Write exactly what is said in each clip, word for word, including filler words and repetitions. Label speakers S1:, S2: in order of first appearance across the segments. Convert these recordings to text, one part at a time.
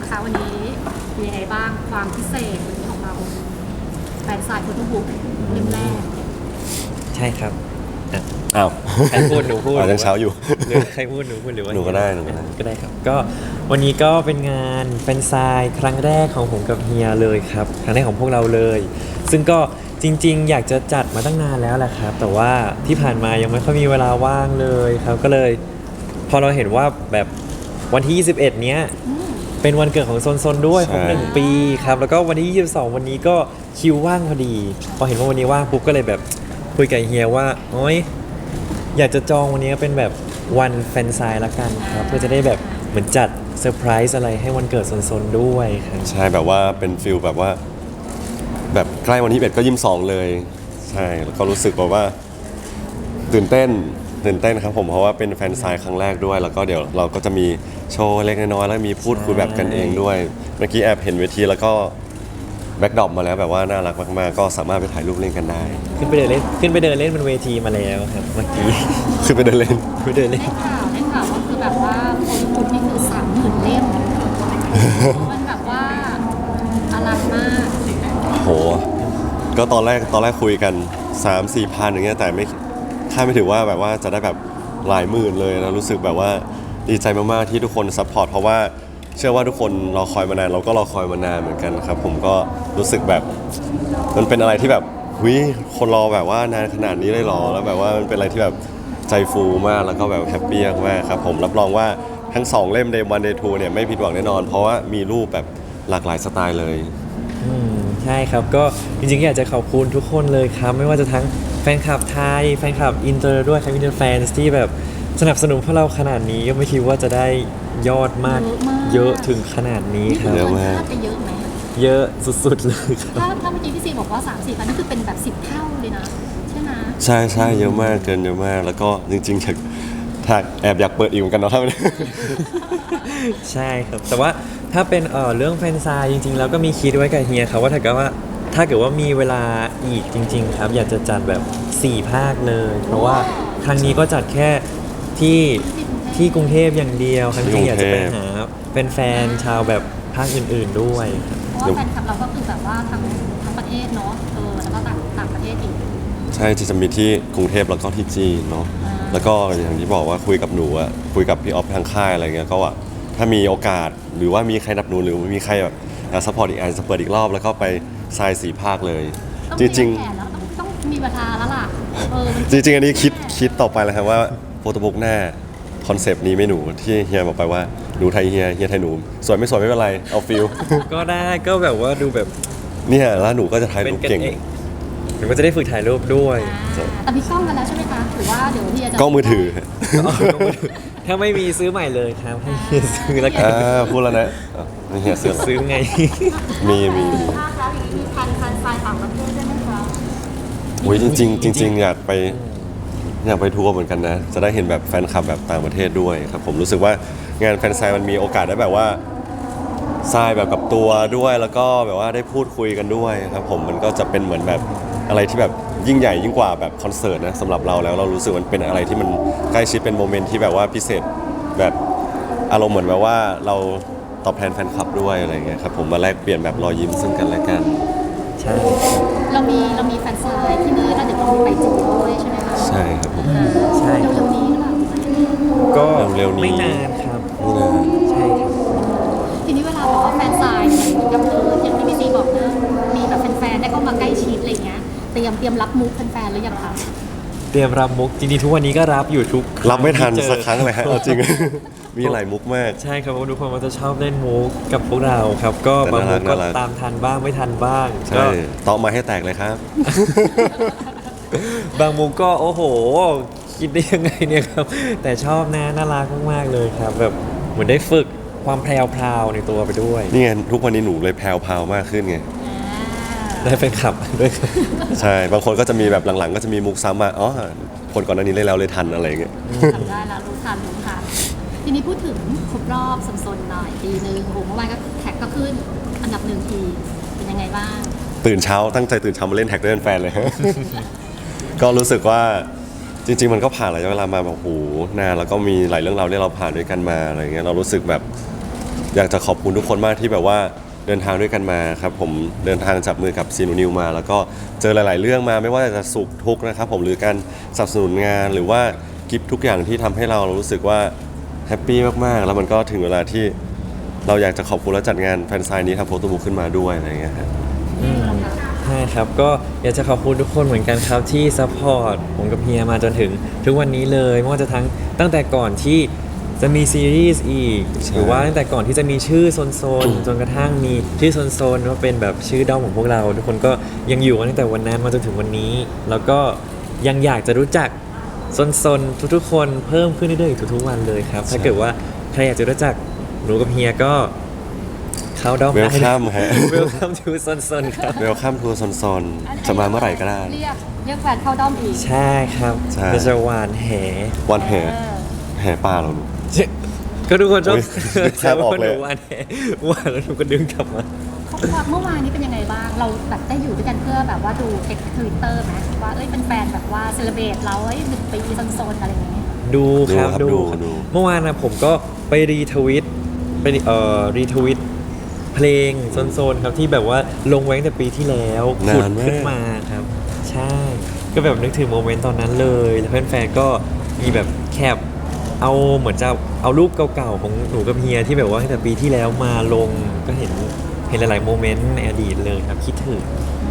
S1: นะคะวันนี้มียังไงบ้างความพิเศษวันนี้ของเราแฟนสายโฟโต้บุ๊กเล่มแรก
S2: ใช่ครับอ่ะ
S3: อ้าว
S2: ใครพูดหนูพูด
S3: อ่ายังเช้าอยู่
S2: หรือใครพูดหนูพูดหรือว่า
S3: หนูก็ได้หนูก็ได้
S2: ก็ได้ครับก็วันนี้ก็เป็นงานแฟนไซน์ครั้งแรกของผมกับเฮียเลยครับครั้งแรกของพวกเราเลย ซึ่งก็จริงๆ อยากจะจัดมาตั้งนานแล้วแหละครับแต่ว่าที่ผ่านมายังไม่ค่อยมีเวลาว่างเลยครับก็เลยพอเราเห็นว่าแบบวันที่ยี่สิบเอ็ดเนี้ยเป็นวันเกิดของโซนโซนด้วยครบหนึ่งปีครับแล้วก็วันที่ยี่สิบสองวันนี้ก็คิวว่างพอดี พอเห็นว่าวันนี้ว่างปุ๊บก็เลยแบบคุยกับเฮียว่าโอ๊ยอยากจะจองวันนี้เป็นแบบวันแฟนไซน์ละกันครับเพื่อจะได้แบบเหมือนจัดเซอร์ไพรส์อะไรให้วันเกิดโซนโซนด้วยครับ
S3: ใช่แบบว่าเป็นฟิลแบบว่า แบบใกล้วันที่เอ็ดก็ยิ้มสองเลยใช่แล้วก็รู้สึกแบบว่าตื่นเต้นตื่นเต้นครับผมเพราะว่าเป็นแฟนไซน์ครั้งแรกด้วย แล้วก็เดี๋ยวเราก็จะมีโชว์เล็กน้อยแล้วมีพูดคุยแบบกันเองด้วยเมื่อกี้แอบเห็นเวทีแล้วก็แบ็คดรอปมาแล้วแบบว่าน่ารักมากๆก็สามารถไปถ่ายรูปเล่นกันได้
S2: ขึ้นไปเดินเล่นขึ้นไปเดินเล่นบนเวทีมาแล้วครับเมื่อกี้
S3: ขึ้นไปเดินเล่น
S2: ไปเดินเล่น
S1: ได้ข่าวได้ข่าวว่าคือแบบว่าโฟโต้บุ๊กนี่คือสามหมื่นเล่มมันแบบว่าอลังมาก
S3: โหก็ตอนแรกตอนแรกคุยกัน สามสี่ พันอย่างเงี้ยแต่ไม่คาดไม่ถึงว่าแบบว่าจะได้แบบหลายหมื่นเลยนะรู้สึกแบบว่าดีใจมากๆที่ทุกคนซัพพอร์ตเพราะว่าเชื่อว่าทุกคนรอคอยมานานเราก็รอคอยมานานเหมือนกันครับผมก็รู้สึกแบบมันเป็นอะไรที่แบบหุยคนรอแบบว่านานขนาดนี้เลยเหรอแล้วแบบว่ามันเป็นอะไรที่แบบใจฟูมากแล้วก็แบบแฮปปี้มากครับผมรับรองว่าทั้งสองเล่ม Day วัน Day ทูเนี่ยไม่ผิดหวังแน่นอนเพราะว่ามีรูปแบบหลากหลายสไตล์เลย
S2: อืมใช่ครับก็จริงๆอยากจะขอบคุณทุกคนเลยครับไม่ว่าจะทั้งแฟนคลับไทยแฟนคลับอินเตอร์ด้วยครับอินเตอร์แฟนที่แบบสนับสนุนพวกเราขนาดนี้ก็ไม่คิดว่าจะได้ยอดมากเยอะถึงขนาดนี้
S1: นี่
S2: ค
S1: คือ
S2: รับ
S1: เกินคาดไปเยอะไหม
S2: เยอะสุดๆเลยครับ
S1: ถ้าถ้าเมื่อกี้พี่ซีบอกว่าสามสี่พันนี่คือเป็นแบบสิบเท่าเลยนะใช่ไหม
S3: ใช่ใช่เยอะมากเกินเยอะมากแล้วก็จริงๆอยากถ้าแอบอยากเปิดอีกเหมือนกันเนาะถ้า
S2: ใช่ครับแต่ว่าถ้าเป็นเอ่อเรื่องแฟนไซน์จริงๆแล้วก็มีคิดไว้กับเฮียครับว่าถ้าเกิดว่าถ้าเกิดว่ามีเวลาอีกจริง ๆ ครับ อยากจะจัดแบบสี่ภาคเลย เพราะว่าครั้งนี้ก็จัดแค่ที่ที่กรุงเทพอย่างเดียวครั้งที่อยากจะไปหาเป็นแฟนๆชาวแบบภาคอื่นๆด้วยครับ
S1: เพราะว่าแฟนคลับเราก็คือแบบว่าทั้งทั้งประเทศเนาะเออแล้วก็ต่างต่างประเทศอีก
S3: ใช่ที่จะมีที่กรุงเทพแล้วก็ที่จีนเนาะแล้วก็อย่างที่บอกว่าคุยกับหนูอะคุยกับพี่ออฟทางค่ายอะไรเงี้ยก็ว่าถ้ามีโอกาสหรือว่ามีใครนับหนูหรือมีใครแบบซัพพอร์ตอีกอาจจะเปิดอีกรอบแล้วก็ไปทรายสี่ภาคเลย
S1: ต้อง
S3: จ
S1: มี
S3: ริง
S1: แผนแล้วต้องต้องมีเวลาแล้วล่ะเออมัน
S3: ๆ จริง ๆ อันนี้คิดคิดต่อไปแล้วครับว่าโฟโต้บุ๊กหน้าคอนเซปต์นี้ไม่หนูที่เฮียบอกไปว่าหนูไทยเฮียเฮียไทยหนูสวยไม่สวยไม่เป็นไรเอาฟิล
S2: ก็ได้ก็แบบว่าดูแบบ
S3: เนี่ยแล้วหนูก็จะถ่าย
S2: เป็น
S3: รูป
S2: กัน
S3: เก่ง
S2: เองหรือว่าจะได้ฝึกถ่ายรูปด้วย
S1: อ่าแต่มีกล้องกันแล้วใช่ไหมคะหรือว่าเดี๋ยวพี่จะ
S3: กล้องมือถือ
S2: ถ้าไม่มีซื้อใหม่เลยครับให้เฮียซื้อแล้วกั
S3: อ่าน พูดแล้วนะอ่ะนี่เฮียเสือ
S2: ซื้อไง
S3: มีมีมี
S1: ภาคแล้วอย่างนี้มีพันพันไฟล์ต่างประเทศด้วยไหมคะ
S3: โอ้ยจริงๆจริงๆอยากไปอยากไปทัวร์เหมือนกันนะ จะได้เห็นแบบแฟนคลับแบบต่างประเทศด้วยครับผมรู้สึกว่างานแฟนไซน์มันมีโอกาสได้แบบว่าทรายแบบกับตัวด้วยแล้วก็แบบว่าได้พูดคุยกันด้วยครับผมมันก็จะเป็นเหมือนแบบอะไรที่แบบยิ่งใหญ่ยิ่งกว่าแบบคอนเสิร์ตนะสำหรับเราแล้วเรารู้สึกมันเป็นอะไรที่มันใกล้ชิดเป็นโมเมนต์ที่แบบว่าพิเศษแบบอารมณ์เหมือนแบบว่าเราตอบแทนแฟนคลับด้วยอะไรอย่างเงี้ยครับผมมาแลกเปลี่ยนแบบรอยยิ้มซึ่งกันและกัน
S2: ใช่
S1: เรามีเรามีแฟนไซน์ที่นี่แล้วเดี๋ยวเราไปจีนด้วยใช่ไหมคะ
S3: ใช่ครับผม
S1: อ่า
S2: ใช่
S1: เร็วๆนี้หรือเปล่า
S2: ก็
S3: เร็วๆนี้
S2: ไม่นานครับ
S3: นี่นะ
S2: ใช่ครับ
S1: ทีนี้เวลาแบบว่าแฟนไซน์เนี่ยเหมือนกับเอออย่างที่พี่ซีบอกนะมีแบบแฟนๆได้เข้ามาใกล้ชิดอะไรเงี้ยเตรียมเตรียมรับมุกแฟนๆหรือยังคะ
S2: เตรียมรับมุกจริงๆทุกวันนี้ก็รับอยู่ทุก
S3: รับไม่ทัน
S2: ที่เจอ
S3: สักครั้งเลยฮะเอาจริง มีหลายมุกมาก
S2: ใช่ครับเพราะว่าทุกคนมันจะชอบเล่นมุกกับพวกเราครับ ก็
S3: แต่
S2: บางมุกก็
S3: น่ารัก
S2: ตามทันบ้างไม่ทันบ้างก็
S3: ใช่ต้อมาให้แตกเลยครับ
S2: บางมุกก็โอ้โห คิดได้ยังไงเนี่ยครับ แต่ชอบนะน่ารักมากๆเลยครับ แบบเหมือนได้ฝึกความแพรวๆในตัวไปด้วย
S3: นี่ไงทุกวันนี้หนูเลยแพรวพราวมากขึ้นไง
S2: ได้แฟนคลับด้วยครับ
S3: ใช่ บางคนก็จะมีแบบหลังๆ ก็จะมีมุกซ้ำมาอ๋อคนก่อนหน้านี้เล่นแล้วเลยทันอะไรอย่างเงี้ย
S1: ทำได้แล้วรู้ทันรู้ทันทีนี้พูดถึงครบรอบสนๆหน่อยปีหนึ่งโอ้โหเมื่อวานก็แท็กก็ขึ้นอันดับหนึ่งทีเป็นยังไงบ้าง
S3: ตื่นเช้าตั้งใจตื่นเช้ามาเล่นแท็กด้วยแฟนเลย ก็รู้สึกว่าจริง ๆ มันก็ผ่านระยะเวลามาแบบโอ้โหนานแล้วก็มีหลายเรื่องราวที่เราผ่านด้วยกันมาอะไรเงี้ยเรารู้สึกแบบอยากจะขอบคุณทุกคนมากที่แบบว่าเดินทางด้วยกันมาครับผมเดินทางจับมือกับซีนูนิวมา แล้วก็เจอหลาย ๆ เรื่องมาไม่ว่าจะสุขทุกข์นะครับผมหรือการสนับสนุนงานหรือว่ากิฟทุกอย่างที่ทำให้เรารู้สึกว่าแฮปปี้มาก ๆ แล้วมันก็ถึงเวลาที่เราอยากจะขอบคุณและจัดงานแฟนไซน์นี้ทำโฟโต้บุ๊กขึ้นมาด้วยอะไรอย่างเงี้ยครับ
S2: ใช่ครับก็อยากจะขอบคุณทุกคนเหมือนกันครับที่ซัพพอร์ตผมกับเฮียมาจนถึงทุกวันนี้เลยไม่ว่าจะทั้งตั้งแต่ก่อนที่จะมีซีรีส์อีก
S3: ใช่
S2: หรือว่าตั้งแต่ก่อนที่จะมีชื่อโซนโซนจนกระทั่งมีชื่อโซนโซนว่าเป็นแบบชื่อด้อมของพวกเรา ทุกคนก็ยังอยู่กันตั้งแต่วันนั้นมาจนถึงวันนี้ แล้วก็ยังอยากจะรู้จักโซนโซนทุกๆคนเพิ่มขึ้นเรื่อยๆอีกทุกๆวันเลยครับถ้าเกิดว่าใครอยากจะรู้จักหนูกับเฮียก็เข้าด้อม
S3: เวล
S2: ได้
S3: คัมฮะ
S2: Welcome to โซนโซนครับ
S3: เวลคัมทัวร์ซอนๆจะมาเมื่อไหร่ก็ได้
S1: เรียกเรียกแฟนเข้าด้อมอีก
S2: ใช่ครับ
S3: ใช่
S2: เดี๋ยวจะหวานแห
S3: วันแห่
S1: เออ
S3: แห่ป่าเราหนู
S2: ก็ทุกคนชอบ
S3: อุ๊ยนึกภาพออกเลย
S2: หนูหวานแหหวานแล้วหนูก็ดึงกลับมา
S1: เขาเมื่อวานนี้เป็นยังไงบ้าง เราแบบได้อยู่ด้วยกันเพื่อแบบว่าดูเทคทวิตเตอร์ไหมว่าเอ้ยเป็นแฟนแบบว่าเซเลบรตเราเอ้ยหนึ่งปีโซนๆอะไรอย่างเงี้ย
S2: ดูครับ
S3: ดู
S2: ดู
S3: ครับดู
S2: เมื่อวานนะผมก็ไปรีทวิตไปเอ่อรีทวิตเพลงโซนๆครับที่แบบว่าลงไว้ตั้งแต่ปีที่แล้ว
S3: นาน
S2: ขุด
S3: มาก
S2: ขึ้นมาครับ ใช่ ก็แบบนึกถึงโมเมนต์ตอนนั้นเลยแล้วแฟนๆก็มีแบบแคปเอาเหมือนจะเอารูปเก่าๆของหนูกับเฮียที่แบบว่าตั้งแต่ปีที่แล้วมาลงก็เห็นเห็นหลายๆโมเมนต์ในอดีตเลยครับคิดถึง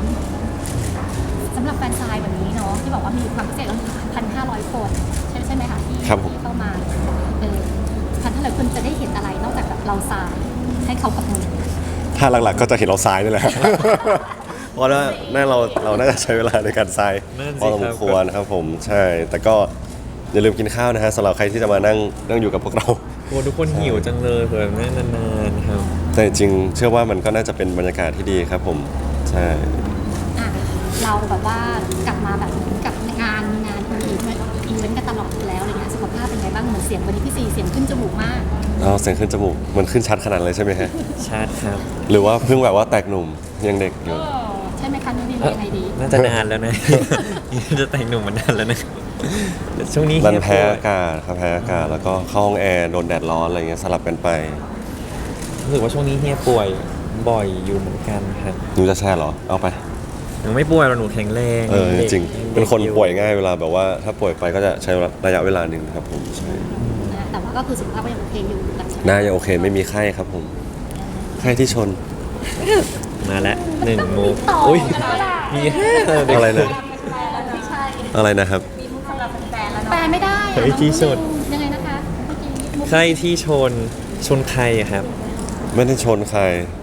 S1: สำหรับแฟนซายวันนี้เนาะที่บอกว่ามีความพิเศษแล้วพันห้าร้อยคนใช่ใช่ไหมคะที่
S3: ครับผม
S1: ที่เข้ามาเออพันห้าร้อยคนจะได้เห็นอะไรนอกจากแบบเราซายให้เขากับมือ
S3: ถ้าหลัก ๆ ก็จะเห็นเราซ้ายนี่แหละ เพราะว่าน่าเราเราน่าจะใช้เวลาในการทราย
S2: นั่นสิ
S3: พอสมควรครับผมใช่ แต่ก็อย่าลืมกินข้าวนะฮะสำหรับใครที่จะมานั่งนั่งอยู่กับพวกเรา
S2: โอ้ทุกคนหิวจังเลยเผื่อแม่นานๆครับ
S3: แต่จริงๆเชื่อว่ามันก็น่าจะเป็นบรรยากาศที่ดีครับผมใช่
S1: อ่ะเราแบบว่ากลับมาแบบเหมือนกับงานมีงานอีเวนต์อีเวนต์กันตลอดอยู่แล้วอะไรเงี้ยสุขภาพเป็นไงบ้างเหมือนเสียงวันนี้พี่ซีเสียงขึ้นจมูกมาก
S3: เอาเสียงขึ้นจมูกมันขึ้นชัดขนาดเลยใช่ไหมฮะ
S2: ชาร์จครับ
S3: หรือว่าเพิ่งแบบว่าแตกหนุ่มยังเด็กอยู่
S1: ใช่ไหมคะนี่ดียังไงดี
S2: น่าจะนานแล้วนะ จะแต่งหนุ่มมานานแล้วนะแต่ช่วงนี้
S3: รัน
S2: เฮีย
S3: แพ้
S2: ป่วย
S3: อากาศครับแพ้อากาศแล้วก็เข้าห้องแอร์โดนแดดร้อนอะไรเงี้ยสลับกันไป
S2: รู้สึกว่าช่วงนี้เฮียป่วยบ่อยอยู่เหมือนกันครับ
S3: หนูจะแช่เหรอเอาไป
S2: หนูไม่ป่วยหรอกหนูแข็งแรง
S3: เออ
S2: ด็ก
S3: จริง
S2: ด็ก
S3: เป็นคน
S2: อยู่
S3: ป่วยง่ายเวลาแบบว่าถ้าป่วยไปก็จะใช้ระยะเวลาหนึ่งครับผมใช่
S1: นะแต่ว่าก็คือสุขภาพก็ยังโอเคอยู่หลังจาก
S3: หน้ายังโอเคไม่มีไข้ครับผมไข้ที่ชน
S2: มาแล้วหนึ่งมุก
S1: ต่อ
S2: อุ้ย
S1: กันแล้วล่ะ
S2: มีห้าเด็ก
S3: อะไรนะ
S1: ไม่ใช่
S3: อะไรนะครับ
S1: แปลไม่ได้
S2: เฮ้ยที่สุด
S1: ยังไงนะคะเมื่อกี้มุก
S2: ใครที่ชนชนใครอะครับ
S3: ไม่ได้ชนใคร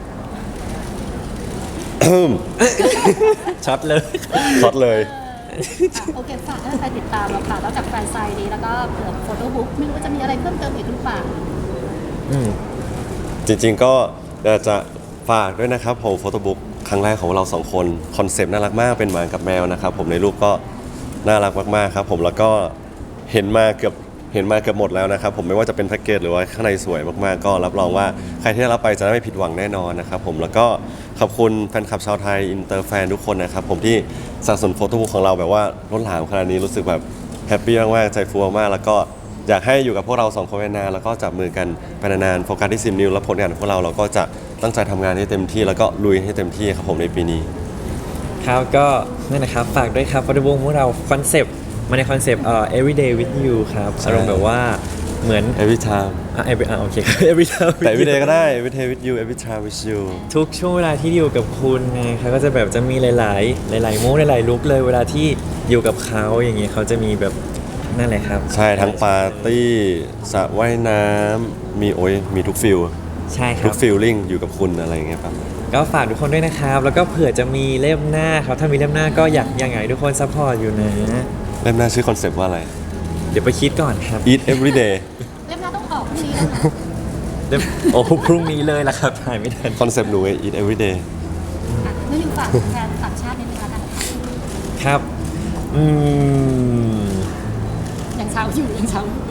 S2: ช็อตเลย
S3: ช็อตเลย
S1: โอเคฝากให้แฟนติดตามเราค่ะแล้วจากแฟนไซด์นี้แล้วก็เผื่อโฟโต้บุ๊กไม่รู้ว่าจะมีอะไรเพิ่มเติมอีกหรือเปล่า
S2: อืม
S3: จริงๆก็อยากจะฝากด้วยนะครับผมโฟโต้บุ๊กครั้งแรกของเราสองคนคอนเซปต์น่ารักมากเป็นหมากับแมวนะครับผมในรูปก็น่ารักมากๆครับผมแล้วก็เห็นมาเกือบเห็นมาเกือบหมดแล้วนะครับผมไม่ว่าจะเป็นแพ็กเกจหรือว่าข้างในสวยมากๆก็รับรองว่าใครที่ได้รับไปจะไม่ผิดหวังแน่นอนนะครับผมแล้วก็ขอบคุณแฟนคลับชาวไทยอินเตอร์แฟนทุกคนนะครับผมที่สนับสนุนโฟโต้บุ๊กของเราแบบว่าล้นหลามขนาดนี้รู้สึกแบบแฮปปี้มากๆใจฟูมากๆแล้วก็อยากให้อยู่กับพวกเราสองคนไปนานแล้วก็จับมือกันไปนานๆโฟกัสที่ซิมนิวและผลงานของพวกเราเราก็จะตั้งใจทำงานให้เต็มที่แล้วก็ลุยให้เต็มที่ครับผมในปีนี้
S2: ครับก็นั่นนะครับฝากด้วยครับฟอร์ดวงของเราคอนเซปต์มาในคอนเซปต์เอ่อ everyday with you ครับ
S3: ใช่
S2: อารมณ์แบบว่าเหมือน
S3: every time
S2: อ่ะ every อ่ะโอเค every time
S3: แต่ every day ก็ได้ every day with you every time with you
S2: ทุกช่วงเวลาที่อยู่กับคุณไงเขาก็จะแบบจะมีหลาย ๆ หลาย ๆ มูดหลาย ๆ ลุคเลยเวลาที่อยู่กับเขาอย่างเงี้ยเขาจะมีแบบนั่นแหละครับ
S3: ใช่ทั้งปาร์ตี้สระว่ายน้ำมีโอ้ยมีทุกฟิล
S2: ใช่ค
S3: ทุ
S2: รั
S3: ก
S2: บ
S3: ฟิลลิ่งอยู่กับคุณอะไรอย่างเงี้ยครับ
S2: ก็ฝากทุกคนด้วยนะครับ แล้วก็เผื่อจะมีเล่มหน้าครับถ้ามีเล่มหน้าก็อยากยังไงทุกคนซัพพอร์ตอยู่นะ
S3: เล่มหน้าชื่อคอนเซปต์ว่าอะไร
S2: เดี๋ยวไปคิดก่อนครับ
S3: eat every day
S1: เล่มหน้าต้องออกพรุ่งนี้แล้วนะ
S2: เดี๋ยวโอ้พรุ่งนี้เลยละครับถ่ายไม่ทัน
S3: คอนเซปต์หนูไง eat every day
S1: อ่ะนี่อยู่ฝากแฟนต่างชาตินิดนึงแล้วกันค่ะ
S2: ครับ อืม
S1: ยังเช้าอยู่ยังเช้าอยู่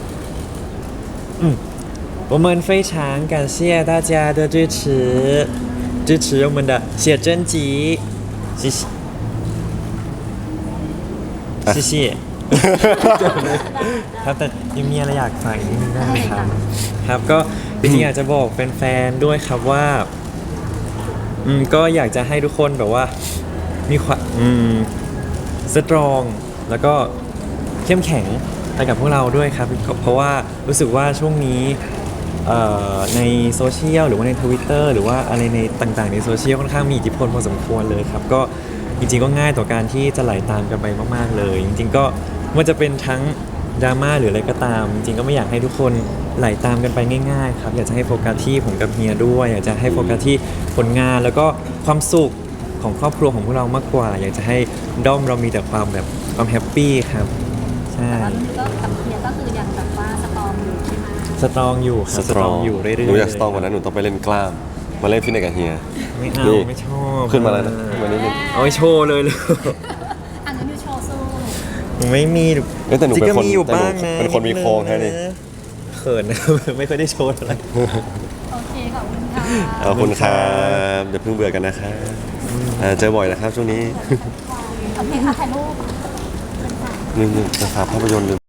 S2: 我们非常感谢大家的支持，支持我们的写真集，谢谢，谢谢。ครับแต่ยังมีอะไรอยากฝากอีกนิดนึงได้ไหมครับ ครับก็จริงๆอยากจะบอกแฟนๆด้วยครับว่าอืมก็อยากจะให้ทุกคนแบบว่ามีความอืมสตรองแล้วก็เข้มแข็งไปกับพวกเราด้วยครับ เพราะว่ารู้สึกว่าช่วงนี้เอ่อในโซเชียลหรือว่าใน Twitter หรือว่าอะไรในต่างๆในโซเชียลค่อนข้างมีอิทธิพลพอสมควรเลยครับ ก็จริงๆก็ง่ายต่อการที่จะไหลตามกันไปมากๆเลย จริงๆก็มันจะเป็นทั้งดราม่าหรืออะไรก็ตาม จริงๆก็ไม่อยากให้ทุกคนไหลตามกันไปง่ายๆครับอยากจะให้โฟกัสที่ผมกับเฮียด้วยอยากจะให้โฟกัสที่ผลงานแล้วก็ความสุขของครอบครัวของพวกเรามากกว่า อยากจะให้ด้อมเรามีแต่ความแบบความแฮปปี้ครับใช่
S1: แต่ว่านี่ก็กับเฮียก็คือยังแบบว่าสตอมอยู่ใช่ไหม
S2: สตรองอยู่ครับสตรองอยู่เรื่อยๆ
S3: หนูอยากสตรองกว่านั้นหนูต้องไปเล่นกล้าม มาเล่นฟิตเนสกับเฮีย
S2: ไม่เอา
S3: นี่
S2: ไม่ชอบ
S3: ขึ้นมาแล้วนะขึ้นมานิดนึง
S2: เอาไว้โชว์เลยเลย
S1: อันนั้นอยู่โชว์สู้
S2: หนูไม่มี
S3: เอ้ยแต่หนูเป็นคน
S2: จริงๆก็มีอยู่
S3: แต่หนู
S2: บ้างนะ
S3: เป็นคนมีโครงแค่นี้
S2: เขินนะ ไม่ค่อยได้โชว์อะไร
S1: โอเคขอบคุณค่ะ
S3: ขอบคุณครับเดี๋ยวเพิ่งเบื่อกันนะครับอ่าเจอบ่อยนะครับช่วงนี้
S1: โอเคค่ะถ่ายรูป
S3: นึงๆจะฝากภาพยนตร์ลืม